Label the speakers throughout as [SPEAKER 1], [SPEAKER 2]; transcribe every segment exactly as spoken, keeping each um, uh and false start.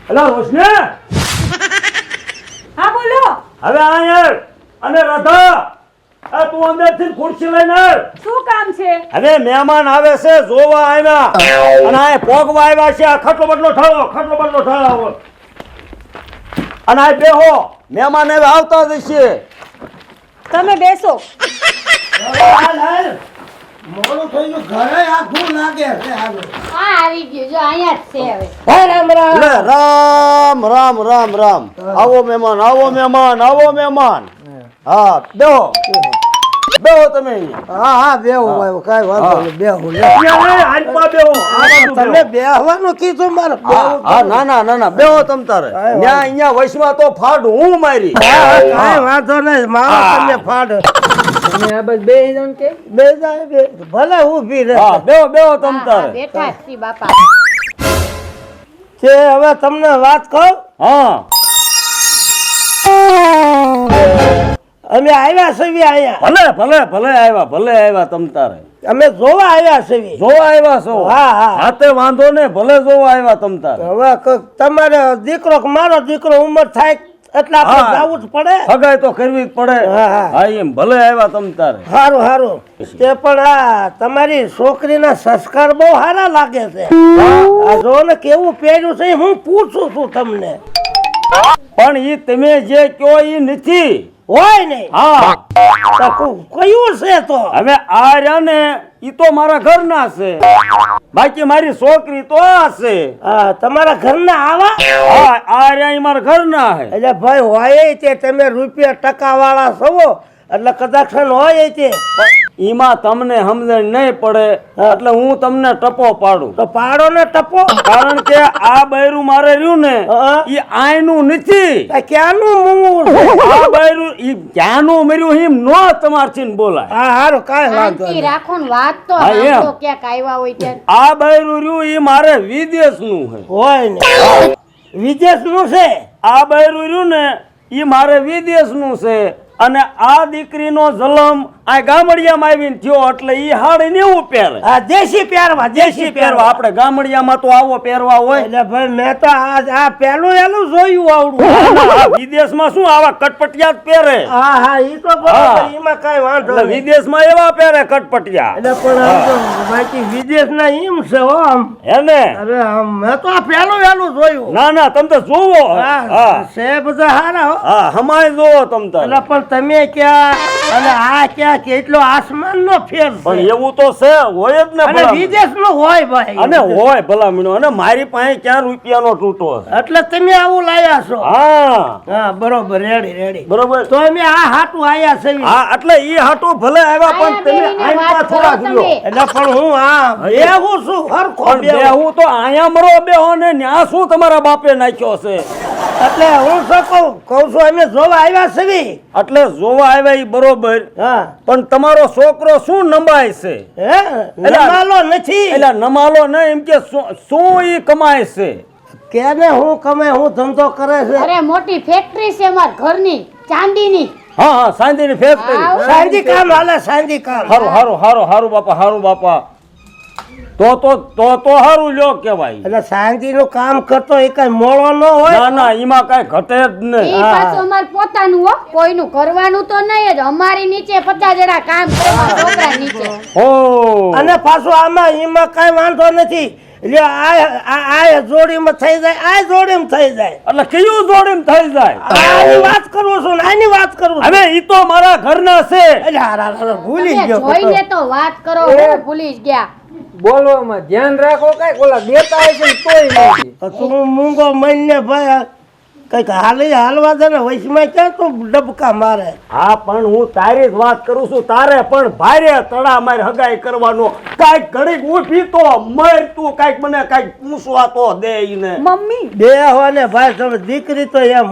[SPEAKER 1] અલા રોશને
[SPEAKER 2] હા બોલો.
[SPEAKER 1] હવે આયર અને રાધા આ તું અંદરથી ખુરશી લઈને આવ.
[SPEAKER 2] શું કામ છે?
[SPEAKER 1] હવે મહેમાન આવે છે જોવા આવ્યા અને આ પોગવા આવ્યા છે. આ ખટલો બટલો ઠાળો ખટલો બટલો ઠાળો અને આ બેહો મહેમાન હવે આવતા જ છે.
[SPEAKER 2] તમે બેસો.
[SPEAKER 1] હાલ હાલ
[SPEAKER 3] મોડું થઈ ગયું ઘરે આખું લાગે છે હાલો.
[SPEAKER 4] હા આવી ગયું જો અહીંયા જ છે હવે.
[SPEAKER 3] હા રામ રામ
[SPEAKER 1] લે, રામ રામ રામ રામ. આવો મહેમાન આવો મહેમાન આવો મહેમાન. હા બેહો બેહો તમે અહીંયા.
[SPEAKER 3] હા હા બેહો ભાઈ કાઈ વાંધો નહીં બેહો લે.
[SPEAKER 1] અહીંયા હાલમાં બેહો. આ બાજુ બેહો.
[SPEAKER 3] તમે બેહવાનું કીધું મારે
[SPEAKER 1] હા
[SPEAKER 3] બેહવું
[SPEAKER 1] હા, ના ના ના ના બેહો તમ તારે.
[SPEAKER 3] કાંઈ
[SPEAKER 1] ન્યા અહીંયા વૈશમાં તો ફાડ હું મારી.
[SPEAKER 3] કાઈ વાંધો નહીં મારો
[SPEAKER 1] હા.
[SPEAKER 3] તમને ફાડ
[SPEAKER 5] તમે આ બસ બે જણ કે
[SPEAKER 3] બે જાય બે ભલે ઊભી રહે
[SPEAKER 1] હા બેહો બેહો તમ
[SPEAKER 4] હા, હા,
[SPEAKER 1] તારે.
[SPEAKER 4] બેઠા જ છીએ બાપા.
[SPEAKER 3] છે હવે તમને વાત કહું
[SPEAKER 1] હા
[SPEAKER 3] અમે આવ્યા છીએ અહીંયા
[SPEAKER 1] ભલે ભલે ભલે આવ્યા ભલે આવ્યા તમ તારે.
[SPEAKER 3] અમે જોવા આવ્યા છીએ
[SPEAKER 1] જોવા આવ્યા છો?
[SPEAKER 3] હા હા
[SPEAKER 1] હાથે વાંધો ને ભલે જોવા આવ્યા તમ તારે.
[SPEAKER 3] હવે ક- તમારે દીકરો કે મારો દીકરો ઉંમર થાય એટલે આપણે
[SPEAKER 1] હા.
[SPEAKER 3] જવું જ પડે
[SPEAKER 1] હગાઈ તો કરવી જ પડે.
[SPEAKER 3] હા, હા.
[SPEAKER 1] હા એમ ભલે આવ્યા તમ તારે.
[SPEAKER 3] સારું સારું તે પણ આ તમારી છોકરીના સંસ્કાર બહુ સારા લાગે છે આ જો ને કેવું પહેર્યું છે હું પૂછું છું તમને
[SPEAKER 1] પણ ઈ તમે જે કયો ઈ નથી.
[SPEAKER 3] હોય નહીં
[SPEAKER 1] હા
[SPEAKER 3] તો ક- કયું છે તો
[SPEAKER 1] હવે આ રહ્યા ને ઈ તો મારા ઘરના છે, બાકી મારી છોકરી તો આ છે.
[SPEAKER 3] હા તમારા ઘરના આવા
[SPEAKER 1] હા આ રહ્યા ઈ મારા ઘરના છે.
[SPEAKER 3] એટલે ભાઈ હોય તે તમે રૂપિયા ટકા વાળા છો એટલે કદાચ હોય તે
[SPEAKER 1] ઈમાં તમને સમજણ નહીં પડે એટલે હું તમને ટપો પાડું.
[SPEAKER 3] તો પાડો ને ટપો
[SPEAKER 1] કારણ કે આ બૈરું મારે રહ્યું ને
[SPEAKER 3] હા.
[SPEAKER 1] ઈ આયનું નથી.
[SPEAKER 3] આ ક્યાંનું મૂળ છે?
[SPEAKER 1] આ બૈરું ઈ ક્યાંનું મર્યું એમ નો તમારથી ને બોલાય.
[SPEAKER 3] હા હારું કાંઈ વાંધો
[SPEAKER 4] શાંતિ
[SPEAKER 3] નહીં
[SPEAKER 4] રાખો ને વાત તો
[SPEAKER 1] હા, એમ.
[SPEAKER 4] સાંભળો ક્યાંક આવ્યા હોય ત્યારે.
[SPEAKER 1] આ બૈરું રહ્યું ઈ મારે વિદેશનું છે.
[SPEAKER 3] હોય ને વિદેશનું છે
[SPEAKER 1] આ બૈરું રહ્યું ને ઈ મારે વિદેશનું છે અને આ દીકરીનો જન્મ આ ગામડિયામાં આવીને થયો એટલે ઈ હાડી નેવું પહેરે.
[SPEAKER 3] આ દેશી પહેરવા
[SPEAKER 1] દેશી પહેરવા. આપણે ગામડિયામાં તો આવો પહેરવા હોય.
[SPEAKER 3] એટલે ભાઈ મેં તો આ આ પહેલું એલું જોયું આવડું
[SPEAKER 1] આ વિદેશમાં શું આવા કટપટિયા જ પહેરે.
[SPEAKER 3] હા હા ઈ તો
[SPEAKER 1] હા.
[SPEAKER 3] બરાબર એમાં કાંઈ વાંધો
[SPEAKER 1] એટલે
[SPEAKER 3] નહીં
[SPEAKER 1] વિદેશમાં એવા પહેરે કટપટિયા.
[SPEAKER 3] એટલે પણ આમ તો બાકી વિદેશના એમ છે હો આમ
[SPEAKER 1] હે ને?
[SPEAKER 3] અરે આમ મેં તો આ પહેલું એલું જોયું
[SPEAKER 1] ના ના તમે તો જોવો.
[SPEAKER 3] હા
[SPEAKER 1] હા
[SPEAKER 3] છે બધા હારા હો
[SPEAKER 1] હા હમાય જોવો તમ તારે.
[SPEAKER 3] એટલે પણ તમે ક્યાં અને આ ક્યાં કેટલો આસમાન નો ફેર
[SPEAKER 1] પણ
[SPEAKER 3] છે
[SPEAKER 1] એવું તો છે હોય જ ને
[SPEAKER 3] અને
[SPEAKER 1] ભલા.
[SPEAKER 3] વિદેશ નો હોય ભાઈ
[SPEAKER 1] અને હોય ભલા મીનો અને મારી પાસે ક્યાં રૂપિયાનો તૂટો છે.
[SPEAKER 3] એટલે તમે આવું લાયા છો
[SPEAKER 1] હા
[SPEAKER 3] હા બરોબર રેડી રેડી
[SPEAKER 1] બરોબર.
[SPEAKER 3] તો અમે આ હાટું આયા છે
[SPEAKER 1] હા એટલે ઈ હાટું ભલે આવ્યા પણ
[SPEAKER 4] આયા
[SPEAKER 1] તમે
[SPEAKER 4] બેહીને
[SPEAKER 1] આઈપા
[SPEAKER 4] વાત કરો
[SPEAKER 1] થોડા
[SPEAKER 4] તમે.
[SPEAKER 1] ગયો.
[SPEAKER 3] એટલે પણ હું આ બેહું છું હરખો
[SPEAKER 1] પણ
[SPEAKER 3] બેહું.
[SPEAKER 1] બેહું તો આયા મરો બેહો ને ન્યા શું તમારા બાપે નાખ્યો છે.
[SPEAKER 3] એટલે હું શું કહું કહું છું અમે જોવા આવ્યા છીએ
[SPEAKER 1] એટલે જોવા આવ્યા ઈ બરોબર
[SPEAKER 3] હા
[SPEAKER 1] પણ તમારો છોકરો શું નમાય છે?
[SPEAKER 3] હે નમાલો નથી
[SPEAKER 1] એટલે નમાલો ને એમ કે શું- શું ઈ કમાય છે?
[SPEAKER 3] કેને હું કમે હું ધંધો કરે છે
[SPEAKER 4] અરે મોટી ફેક્ટરી છે અમાર ઘરની ચાંદીની.
[SPEAKER 1] હા હા સાંજની ફેક્ટરી.
[SPEAKER 4] આવ.
[SPEAKER 3] સાંજી કામ હાલે સાંજી કામ
[SPEAKER 1] હારું હારું હારું હારું બાપા હારું બાપા. તો તો તો તો હારું લ્યો કેવાય.
[SPEAKER 3] એટલે સાંજી નું કામ કરતો એ કઈ મોળો ન હોય
[SPEAKER 1] ના ના એમાં કઈ ઘટે જ
[SPEAKER 4] ઈ
[SPEAKER 1] નહીં.
[SPEAKER 4] પાછું અમાર પોતાનું હો, કોઈનું કરવાનું તો નહીં જ. અમારી નીચે પચાસ જણા કામ કરે મારા છોકરા નીચે.
[SPEAKER 1] ઓ
[SPEAKER 3] અને પાછું આમાં એમાં કઈ વાંધો નથી એટલે આ આ- આ જોડીમાં થઈ જાય આ જોડીમાં થઈ જાય
[SPEAKER 1] એટલે કયું જોડીને થઈ જાય?
[SPEAKER 3] આની વાત કરું છું ને આની વાત કરું છું
[SPEAKER 1] હવે ઈ તો મારા ઘરના છે.
[SPEAKER 3] એટલે હારા હારા ભૂલી
[SPEAKER 4] તમે
[SPEAKER 3] ગયો
[SPEAKER 4] જોઈને તો વાત કરો
[SPEAKER 5] એ.
[SPEAKER 4] હું ભૂલી જ ગયા.
[SPEAKER 5] બોલવામાં ધ્યાન રાખો કઈ ઓલા દેતા હોય છે ને તોય નથી.
[SPEAKER 3] તો તું મૂંગો મહિને ભાઈ કઈક હાલી હાલવા દે ને વૈશમાં ક્યાં તું ડબકા મારે
[SPEAKER 1] હા પણ હું તારી જ વાત કરું છું. તારે પણ ભારે તડા માર હગાઈ કરવાનો કાઈક ઘડીક ઉઠી તો મર તું કાઈક મને કાઈક પૂછવા તો દે ઈને.
[SPEAKER 2] મમ્મી
[SPEAKER 3] બે હોય ને ભાઈ તમે દીકરી તો એમ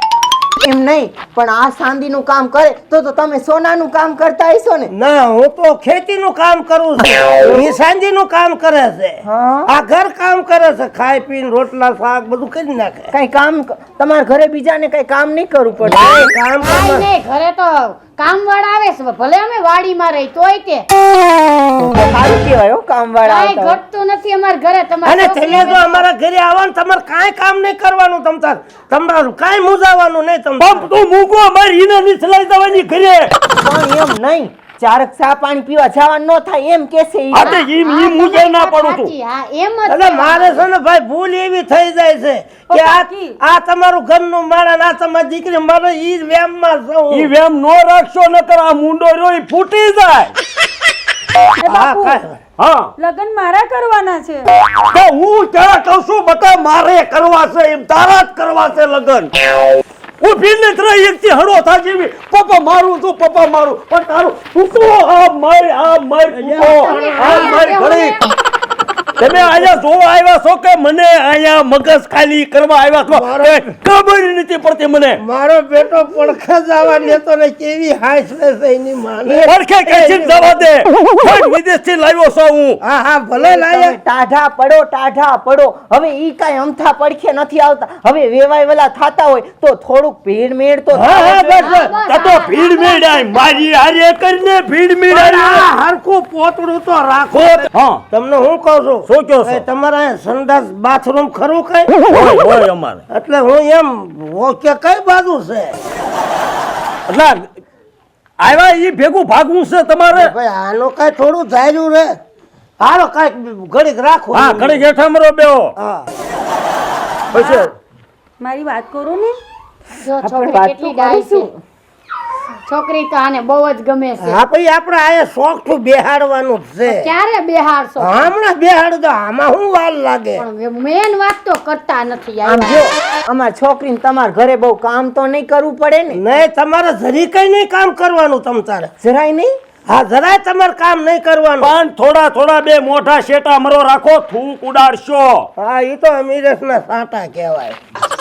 [SPEAKER 6] એમ નહીં પણ આ ચાંદીનું કામ કરે તો તો તમે સોનાનું કામ કરતા હશો ને.
[SPEAKER 3] ના હું તો ખેતીનું કામ કરું છું એ સાંજીનું કામ કરે છે
[SPEAKER 6] હા.
[SPEAKER 3] આ ઘર કામ કરે છે ખાઈ પીને રોટલા શાક બધું કરી નાખે
[SPEAKER 6] કઈ કામ તમારા ઘરે બીજાને કઈ કામ નહીં કરવું પડે.
[SPEAKER 3] કાંઈ કામ
[SPEAKER 4] કાંઈ
[SPEAKER 3] કરે
[SPEAKER 4] નહીં, ઘરે તો કામવાળા આવે છે ભલે અમે વાડીમાં રહી તોય તે
[SPEAKER 6] સારું કહેવાય હો કામવાળા
[SPEAKER 4] કાંઈ
[SPEAKER 6] આવતા હોય.
[SPEAKER 4] ઘટતું નથી અમારા ઘરે
[SPEAKER 3] અને
[SPEAKER 4] તમારે
[SPEAKER 3] તમે જો અમારા ઘરે આવો ને તમારે કાંઈ કામ નહીં કરવાનું તમતાર તમારું કાંઈ મૂંઝાવાનું નહીં તમ
[SPEAKER 1] પંપ તું મૂકો મારી ઈને નીચલાઈ દેવાની ઘરે
[SPEAKER 6] પણ એમ નહીં ચારક ચા પાણી પીવા જવાનું ન થાય એમ કેસે ઈ.
[SPEAKER 1] આ તે ઈ ઈ મુજે ના પડું છું
[SPEAKER 4] સાચી, હા એમ જ
[SPEAKER 3] એટલે
[SPEAKER 4] છે.
[SPEAKER 3] મારે છે ને ભાઈ ભૂલ એવી થઈ જાય છે કે આ આ તમારું ઘરનું મારા ને આ તમારી દીકરી મારે ઈ વેમમાં છું
[SPEAKER 1] ઈ વેમ નો રાખશો નકર આ મુંડો રહ્યો ઈ ફૂટી જાય
[SPEAKER 2] એ
[SPEAKER 3] હા
[SPEAKER 2] બાપુ
[SPEAKER 3] કાંઈ
[SPEAKER 1] હા
[SPEAKER 2] લગ્ન મારા કરવાના છે
[SPEAKER 1] તો હું ક્યાં કહું છું બટા મારે કરવા છે એમ તારા જ કરવા છે લગન ઊભી ને ત્રણ એકથી હળો થા જેવી પપ્પા મારું તું પપ્પા મારું પણ તારું તું આ મારી આ મારી તું આ મારી ઘડી તમે અહીંયા જોવા આવ્યા છો કે મને અહીંયા મગજ ખાલી કરવા આવ્યા છો એ ખબર નથી પડતી મને
[SPEAKER 3] મારો બેટો પડખા જવા લેતો ને કેવી હાઈસ છે એની માને
[SPEAKER 1] પડખે કેસી જવા દે કોઈ વિદેશથી લાવ્યો છું હું
[SPEAKER 3] હા હા ભલે લાયા
[SPEAKER 6] ટાઢા પડો ટાઢા પડો હવે ઈ કાંઈ અમથા પડખે નથી આવતા હવે વેવાય વેલા થાતા હોય તો થોડુંક ભીડ મેળ તો
[SPEAKER 3] હા હા
[SPEAKER 6] થાય.
[SPEAKER 3] બસ બસ
[SPEAKER 1] આ તો ભીડ મેળાય મારી હારે કરીને ભીડ
[SPEAKER 3] પણ
[SPEAKER 1] મેળાય
[SPEAKER 3] આ હરખું પોતડું તો રાખો
[SPEAKER 1] હા
[SPEAKER 3] તમને હું કહું છું
[SPEAKER 1] શું કહો છો?
[SPEAKER 3] એ તમારા અહીંયા સંડાસ બાથરૂમ ખરું કઈ
[SPEAKER 1] હોય હોય અમારે
[SPEAKER 3] એટલે હું એમ ઓ કે કઈ બાજુ છે
[SPEAKER 1] એટલે આવ્યા ઈ ભેગું ભાગવું છે તમારે
[SPEAKER 3] ભાઈ આનો કઈ થોડું ધાર્યું રે હાલો કઈક ઘડીક રાખો
[SPEAKER 1] હા ઘડી જેઠા મરો બેહો
[SPEAKER 3] હા
[SPEAKER 1] પછી
[SPEAKER 2] મારી વાત કરો ને
[SPEAKER 4] જો
[SPEAKER 6] આપણે
[SPEAKER 4] છોકરી
[SPEAKER 6] વાત
[SPEAKER 4] કેટલી
[SPEAKER 6] તો
[SPEAKER 4] ડાય છે
[SPEAKER 6] કરીશું.
[SPEAKER 4] છોકરી તો આને બહુ જ ગમે છે
[SPEAKER 3] હા ભાઈ આપણે આયા શોખ થી બેહાડવાનું જ છે
[SPEAKER 4] ક્યારે બેહાડશો
[SPEAKER 3] હમણાં બેહાડ દો આમાં શું વાર લાગે
[SPEAKER 4] પણ મેન વાત તો કરતા નથી
[SPEAKER 6] આમ
[SPEAKER 4] આવ્યા.
[SPEAKER 6] જો અમાર છોકરીને તમારા ઘરે બહુ કામ તો નહીં કરવું પડે ને
[SPEAKER 3] નહીં તમારે જરી કઈ નહીં કામ કરવાનું તમ તારે
[SPEAKER 6] જરાય નહીં
[SPEAKER 3] હા જરાય તમારે કામ નહીં કરવાનું
[SPEAKER 1] પણ થોડા થોડા બે મોઢા શેટા મરો રાખો થૂક ઉડાડશો
[SPEAKER 3] હા એ તો અમીરસ ના સાંટા કહેવાય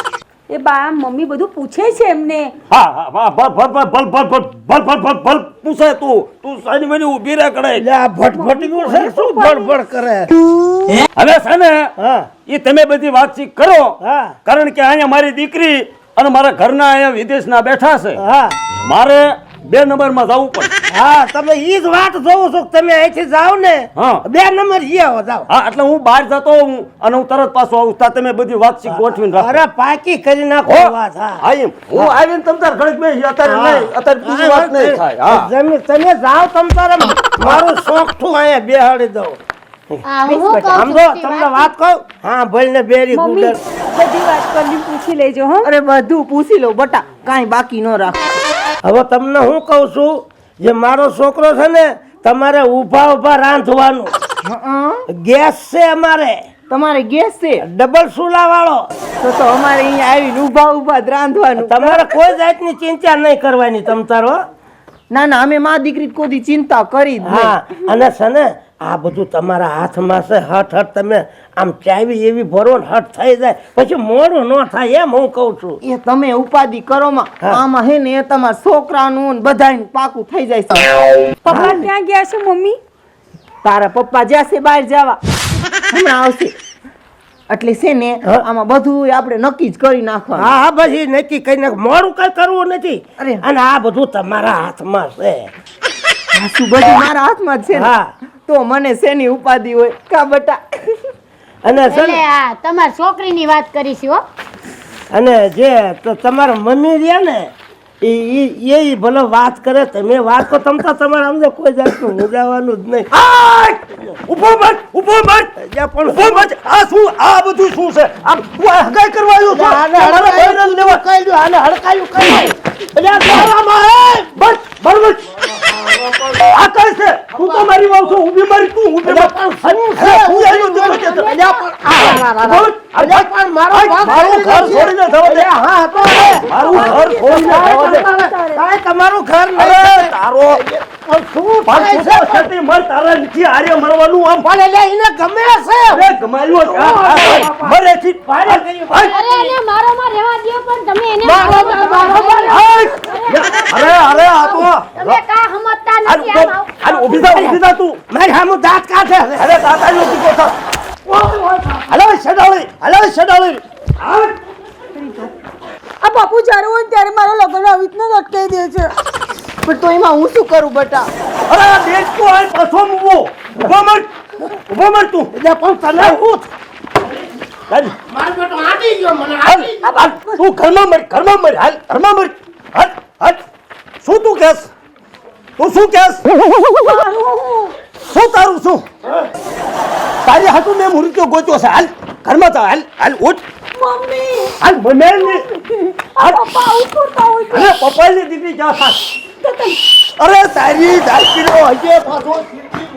[SPEAKER 2] એ બા મમ્મી બધું પૂછે છે એમને
[SPEAKER 1] હા હા હા ભલ ભલ ભલ ભલ ભલ ભલ ભલ ભલ ભલ પૂછે તું તું સાની મની ઊભી રહે કડે
[SPEAKER 3] એટલે આ ભટભટીયું છે શું બડબડ કરે
[SPEAKER 1] હવે છે ને
[SPEAKER 3] હા
[SPEAKER 1] ઈ તમે બધી વાતચીત કરો
[SPEAKER 3] હા
[SPEAKER 1] કારણ કે અહીંયા મારી દીકરી અને મારા ઘરના અહીંયા વિદેશના બેઠા છે
[SPEAKER 3] હા
[SPEAKER 1] મારે બે નંબરમાં જવું પડે
[SPEAKER 3] હા તમે ઈ જ વાત જોઉં છું કે તમે અહીંથી જાઓ ને
[SPEAKER 1] હા.
[SPEAKER 3] બે નંબર ઈ આવો જાઓ
[SPEAKER 1] હા એટલે હું બહાર જતો હોઉં અને હું તરત પાછો આવું ત્યાં તમે બધી વાતચીત ગોઠવીને રાખો
[SPEAKER 3] અરે પાકી કરી નાખો
[SPEAKER 1] હો?
[SPEAKER 3] વાત હા
[SPEAKER 1] હા એમ હું આવીને તમ તાર ઘડીક બેસી અત્યારે નહીં અત્યારે બીજી વાત નહીં થાય હા
[SPEAKER 3] જમી તમે જાઓ તમ તારે મારું શોખ ઠું અહીંયા બેહાડી દઉં
[SPEAKER 4] આ હું શું કહું
[SPEAKER 3] સમજો
[SPEAKER 4] છું,
[SPEAKER 3] તમને વાત કહું હા ભલે બેરી
[SPEAKER 2] મમ્મી
[SPEAKER 3] ગુડર
[SPEAKER 2] બધી વાત કરી પૂછી લેજો હો
[SPEAKER 6] અરે બધું પૂછી લો બટા કાંઈ બાકી ન રાખો
[SPEAKER 3] હવે તમને હું કહું છું જે મારો છોકરો છે ને તમારે ઊભા ઊભા રાંધવાનું
[SPEAKER 6] હં?
[SPEAKER 3] ગેસ છે અમારે
[SPEAKER 6] તમારે ગેસ છે
[SPEAKER 3] ડબલ સુલા વાળો
[SPEAKER 6] તો તો અમારે અહીંયા આવીને ઊભા ઊભા જ રાંધવાનું
[SPEAKER 3] તમારે કોઈ જાતની ચિંતા નહીં કરવાની તમ તારો
[SPEAKER 6] ના ના અમે માં દીકરી કોઈ ચિંતા કરી જ નહીં.
[SPEAKER 3] હા અને છે ને આ બધું તમારા હાથમાં છે હટ હટ તમે આમ ચાવી એવી ભરો ને હટ થઈ જાય પછી મોડું ન થાય એમ હું કહું છું
[SPEAKER 6] એ તમે ઉપાધિ કરો માં
[SPEAKER 3] હા.
[SPEAKER 6] આમાં હે ને એ તમારા છોકરાનું ને બધાયનું પાકું થઈ જાય છે
[SPEAKER 2] પપ્પા ક્યાં ગયા છે મમ્મી
[SPEAKER 6] તારા પપ્પા જશે બહાર જવા હમણાં આવશે એટલે છે ને
[SPEAKER 3] હા.
[SPEAKER 6] આમાં બધું આપણે નક્કી જ કરી નાખવાનું
[SPEAKER 3] હા હા પછી નક્કી કઈ નાખ મોડું કઈ કરવું નથી
[SPEAKER 6] અરે.
[SPEAKER 3] અને આ બધું તમારા હાથમાં છે
[SPEAKER 6] આ શું બધું મારા હાથમાં જ છે ને
[SPEAKER 3] હા
[SPEAKER 6] તો મને શેની ઉપાધિ હોય કા બટા
[SPEAKER 3] અને છે
[SPEAKER 4] એટલે
[SPEAKER 3] ને
[SPEAKER 4] આ તમારી છોકરીની વાત કરીશું હો
[SPEAKER 3] અને જે તો તમારા મમ્મી રહ્યા ને એ ઈ- એ ઈ ભલે વાત કરે તમે વાત તો તમતા તમારે સમજો કોઈ જાતનું મુજાવાનું જ નહીં
[SPEAKER 1] આય! ઊભો મત ઊભો મત
[SPEAKER 3] જ્યાં પણ
[SPEAKER 1] ઊભો મત આ શું આ બધું શું છે આ હું આ હગાઈ કરવા આવ્યો છું
[SPEAKER 3] આને
[SPEAKER 1] મારા
[SPEAKER 3] હડકાયું
[SPEAKER 1] ભાઈને લેવા
[SPEAKER 3] કઈ દ્યો, આને હડકાયું કઈ દ્યો.
[SPEAKER 1] એટલે આ તારામાં હે! બસ બરાબર આ કઈ છે તું તો મારી વાવ છો ઊભી મારી તું ઊભી મત અરે, હું આવ્યો તો કે તો.
[SPEAKER 3] અલ્યા પણ આ, આ, આ, આ, આ, અલ્યા પણ મારો
[SPEAKER 1] આય,
[SPEAKER 3] ભાગ
[SPEAKER 1] મારું ઘર
[SPEAKER 3] છે.
[SPEAKER 1] છોડીને જવા દે.
[SPEAKER 3] અલ્યા, હા તો રે.
[SPEAKER 1] મારું ઘર છોડીને જવા દે.
[SPEAKER 3] કાંઈ તમારું ઘર
[SPEAKER 1] અરે
[SPEAKER 3] નહીં
[SPEAKER 1] તારો
[SPEAKER 3] પણ શું
[SPEAKER 1] પાંચ
[SPEAKER 3] થાય છે?
[SPEAKER 1] ફૂટનો છેટી મર તારા નીચે આરે મરવાનું આમ
[SPEAKER 3] પણ એટલે એને ગમે છે
[SPEAKER 1] અરે ગમાયો છે. આ, આ, આ, મરે છે
[SPEAKER 3] ભારે કર્યું.
[SPEAKER 1] આય,
[SPEAKER 4] અરે એને મારો માં રહેવા દ્યો પણ તમે એને
[SPEAKER 3] મારો
[SPEAKER 4] મારો
[SPEAKER 3] માં,
[SPEAKER 4] માં
[SPEAKER 3] મારો માં.
[SPEAKER 1] આય! અરે અરે આ તો
[SPEAKER 4] તમે કા સમજતા
[SPEAKER 1] આનું
[SPEAKER 4] નથી
[SPEAKER 1] તો-
[SPEAKER 4] આમ આવ.
[SPEAKER 1] આનું ઊભી થા ઊભી થા તું
[SPEAKER 3] મારી સામું દાંત કાઢે છે.
[SPEAKER 1] અરે તાતાજી ઊભી થા હલો શેડાળી હલો શેડાળી
[SPEAKER 2] આ બાપુ જ્યારે હોય ને ત્યારે મારો લગ્ન આવી રીતના જ અટકાઈ દે છે
[SPEAKER 6] પણ તો એમાં હું શું કરું બટા?
[SPEAKER 1] અરે આ દેશ તો આ પાછો મૂવો ઉભો મર ઉભો મર તું
[SPEAKER 3] એટલે પણ તને હું
[SPEAKER 1] હાલ
[SPEAKER 3] મારો બેટો આડી ગયો મને
[SPEAKER 1] હાલ હાલ તું ઘરમાં મર ઘરમાં મર હાલ ઘરમાં મર હાલ હાલ શું તું કહેશ તું શું કહેશ શું તારું શું તારી હાટું મેં મૃત્યુ ગોત્યો છે હાલ ઘરમાં જા હાલ હાલ ઉઠ
[SPEAKER 2] મમ્મી
[SPEAKER 1] હાલ મને ને હાલ
[SPEAKER 2] પપ્પા આવું કરતા હોય
[SPEAKER 1] અરે પપ્પાની દીકરી ક્યાં થાક અરે તારી દાખલો હજે પાછો